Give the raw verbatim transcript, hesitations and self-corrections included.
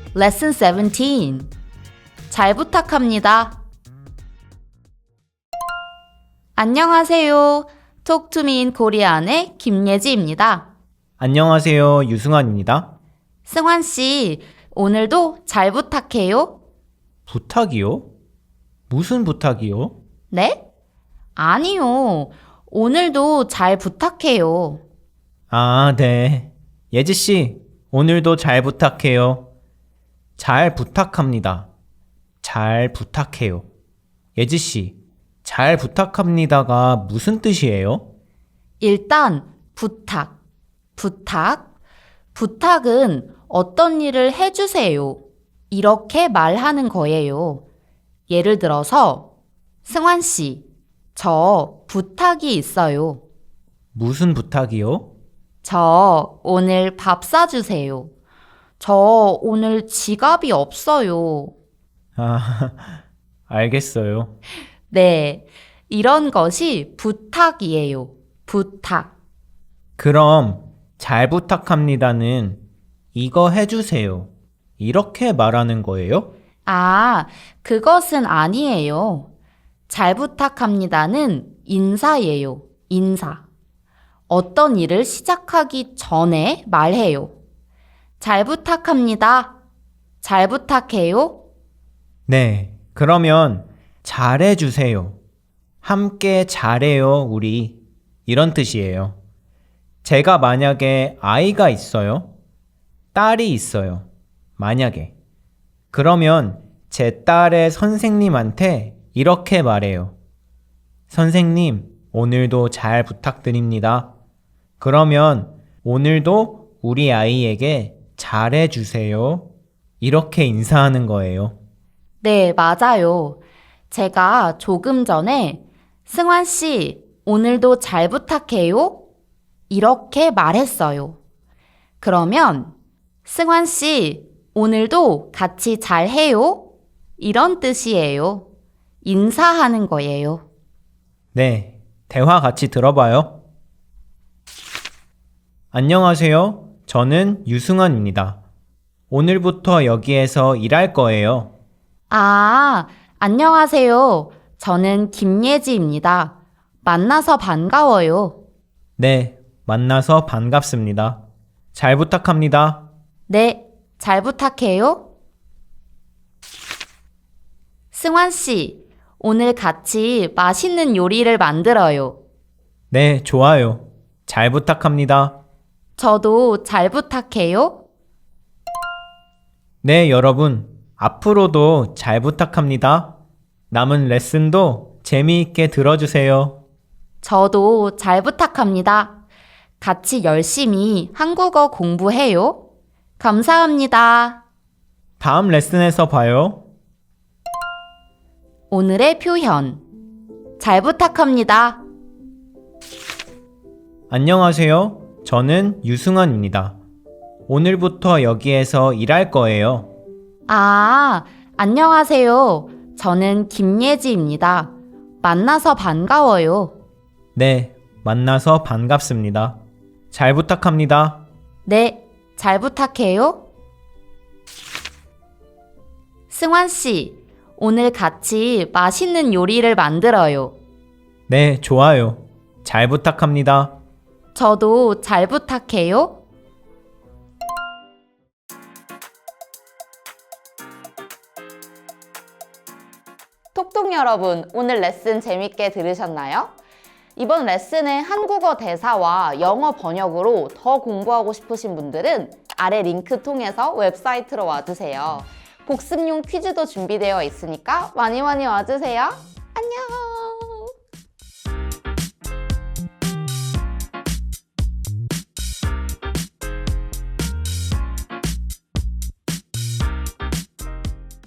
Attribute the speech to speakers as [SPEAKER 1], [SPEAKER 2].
[SPEAKER 1] Lesson seventeen. 잘 부탁합니다. 안녕하세요. Talk to me in Korean의 김예지입니다.
[SPEAKER 2] 안녕하세요. 유승환입니다.
[SPEAKER 1] 승환 씨, 오늘도 잘 부탁해요.
[SPEAKER 2] 부탁이요? 무슨 부탁이요?
[SPEAKER 1] 네? 아니요. 오늘도 잘 부탁해요.
[SPEAKER 2] 아, 네. 예지씨, 오늘도 잘 부탁해요. 잘 부탁합니다. 잘 부탁해요. 예지씨, 잘 부탁합니다가 무슨 뜻이에요?
[SPEAKER 1] 일단 부탁, 부탁. 부탁은 어떤 일을 해주세요. 이렇게 말하는 거예요. 예를 들어서 승환 씨, 저 부탁이 있어요.
[SPEAKER 2] 무슨 부탁이요?
[SPEAKER 1] 저 오늘 밥 사주세요. 저 오늘 지갑이 없어요.
[SPEAKER 2] 아, 알겠어요.
[SPEAKER 1] 네, 이런 것이 부탁이에요. 부탁.
[SPEAKER 2] 그럼 잘 부탁합니다는 이거 해주세요. 이렇게 말하는 거예요?
[SPEAKER 1] 아, 그것은 아니에요. 잘 부탁합니다는 인사예요. 인사. 어떤 일을 시작하기 전에 말해요. 잘 부탁합니다. 잘 부탁해요.
[SPEAKER 2] 네, 그러면 잘해주세요. 함께 잘해요, 우리. 이런 뜻이에요. 제가 만약에 아이가 있어요. 딸이 있어요. 만약에. 그러면 제 딸의 선생님한테 이렇게 말해요. 선생님, 오늘도 잘 부탁드립니다. 그러면 오늘도 우리 아이에게 잘해주세요. 이렇게 인사하는 거예요.
[SPEAKER 1] 네, 맞아요. 제가 조금 전에 승환 씨, 오늘도 잘 부탁해요. 이렇게 말했어요. 그러면 승환 씨, 오늘도 같이 잘해요. 이런 뜻이에요. 인사하는 거예요.
[SPEAKER 2] 네, 대화 같이 들어봐요. 안녕하세요. 저는 유승환입니다. 오늘부터 여기에서 일할 거예요.
[SPEAKER 1] 아, 안녕하세요. 저는 김예지입니다. 만나서 반가워요.
[SPEAKER 2] 네, 만나서 반갑습니다. 잘 부탁합니다.
[SPEAKER 1] 네, 잘 부탁해요. 승환 씨, 오늘 같이 맛있는 요리를 만들어요.
[SPEAKER 2] 네, 좋아요. 잘 부탁합니다.
[SPEAKER 1] 저도 잘 부탁해요.
[SPEAKER 2] 네, 여러분. 앞으로도 잘 부탁합니다. 남은 레슨도 재미있게 들어주세요.
[SPEAKER 1] 저도 잘 부탁합니다. 같이 열심히 한국어 공부해요. 감사합니다.
[SPEAKER 2] 다음 레슨에서 봐요.
[SPEAKER 1] 오늘의 표현. 잘 부탁합니다.
[SPEAKER 2] 안녕하세요. 저는 유승환입니다. 오늘부터 여기에서 일할 거예요.
[SPEAKER 1] 아, 안녕하세요. 저는 김예지입니다. 만나서 반가워요.
[SPEAKER 2] 네, 만나서 반갑습니다. 잘 부탁합니다.
[SPEAKER 1] 네, 잘 부탁해요. 승환 씨, 오늘 같이 맛있는 요리를 만들어요.
[SPEAKER 2] 네, 좋아요. 잘 부탁합니다.
[SPEAKER 1] 저도 잘 부탁해요. 톡톡 여러분, 오늘 레슨 재밌게 들으셨나요? 이번 레슨의 한국어 대사와 영어 번역으로 더 공부하고 싶으신 분들은 아래 링크 통해서 웹사이트로 와주세요. 복습용 퀴즈도 준비되어 있으니까 많이 많이 와주세요. 안녕!